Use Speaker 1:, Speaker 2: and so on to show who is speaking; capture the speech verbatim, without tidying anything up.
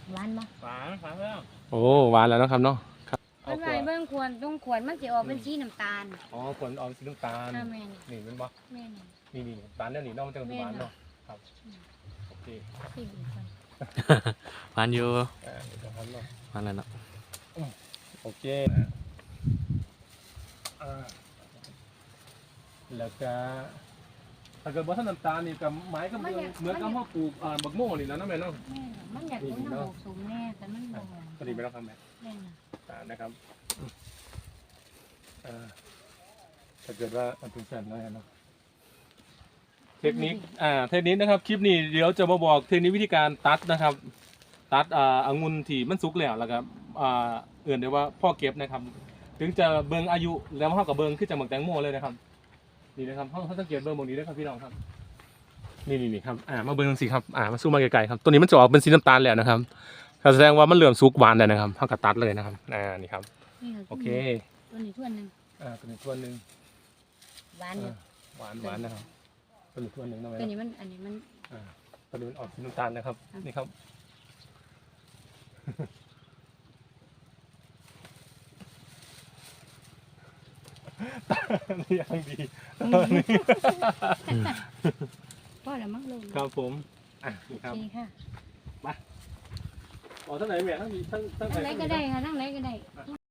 Speaker 1: หวานบ่
Speaker 2: หวานหวานแล้ว
Speaker 3: โอ้หวานแล้วนะครับเนาะครับ
Speaker 1: มันไว้เบิ่งควรต้องควรมันสิออกเป็นสีน้ำตาล
Speaker 3: อ๋อควรออกสีน้ำตาล
Speaker 1: อ่าแม่น
Speaker 3: นี่มันบ่
Speaker 1: แม่น
Speaker 3: นี่นี่ตาลเนี่ยนี่น้องมันจะหวานเนาะครับโอเค
Speaker 1: สิดีก่อน
Speaker 4: หวานอยู่
Speaker 3: อ่าเดี๋ยวจะทำเนาะ
Speaker 4: หวานแล้วเนาะ
Speaker 3: โอเคอ่าแล้วก็ถ้าเกิดว่าถ้าน้ำตาลนี่กับไม้กับเมืองเหมือนกับพ่อปลูกอ่าบักโม่นี่นะน้องแม่เนาะ
Speaker 1: แม่นมันอยากกินน้ำหกสูงแน่แต่มันบ่
Speaker 3: พอดีไม่ต้องทำแบบ
Speaker 1: แม่นน่ะ
Speaker 3: อ่านะครับอ่าถ้าเกิดว่ามันเป็นแฟนน้อยเนาะเทคนิคอ่าเทคนิคนะครับคลิปนี้เดี๋ยวจะมาบอกเทคนิควิธีการตัดนะครับตัดอ่าองุ่นที่มันสุกแล้วแล้วครับอ่าเอื่นเดี๋ยวว่าพ่อเก็บนะครับถึงจะเบิ่งอายุแล้วเท่ากับเบิ่งขึ้นจากหมึกแตงโมเลยนะครับนี่นะครับเขาเขาสังเกตเบิ่งตรงนี้ด้วยครับพี่น้องครับนี่นี่นี่ครับอ่ามาเบิ่งสิครับอ่ามาซูมมาไกลๆครับตัวนี้มันจะออกเป็นสีน้ำตาลแล้วนะครับแสดงว่ามันเหลื่อมสุกหวานแล้วนะครับเท่ากับตัดเลยนะครับอ่านี่ครับโอเค
Speaker 1: ตัวนี้ถ้วยนึง
Speaker 3: อ่าตัวนี้ถ้วยนึง
Speaker 1: หวานอยู่
Speaker 3: หวานหวานนะครับตัวนี้ถ้วยนึงนะ
Speaker 1: ตัวนี้มันอันนี้มัน
Speaker 3: อ่าตัวนี้มันออกสีน้ำตาลนะครับนี่ครับนี่ยังดี
Speaker 1: พ่อแล้วมั้งลูก
Speaker 3: ครับผมอ่ะนี่ครับ
Speaker 1: ดีค่ะ
Speaker 3: มาอ๋อทั้งไหนแม่ทั้งทั้งทั้งไหน
Speaker 1: ทั้งไหนก็ได้ค่ะทั้งไหนก็ได้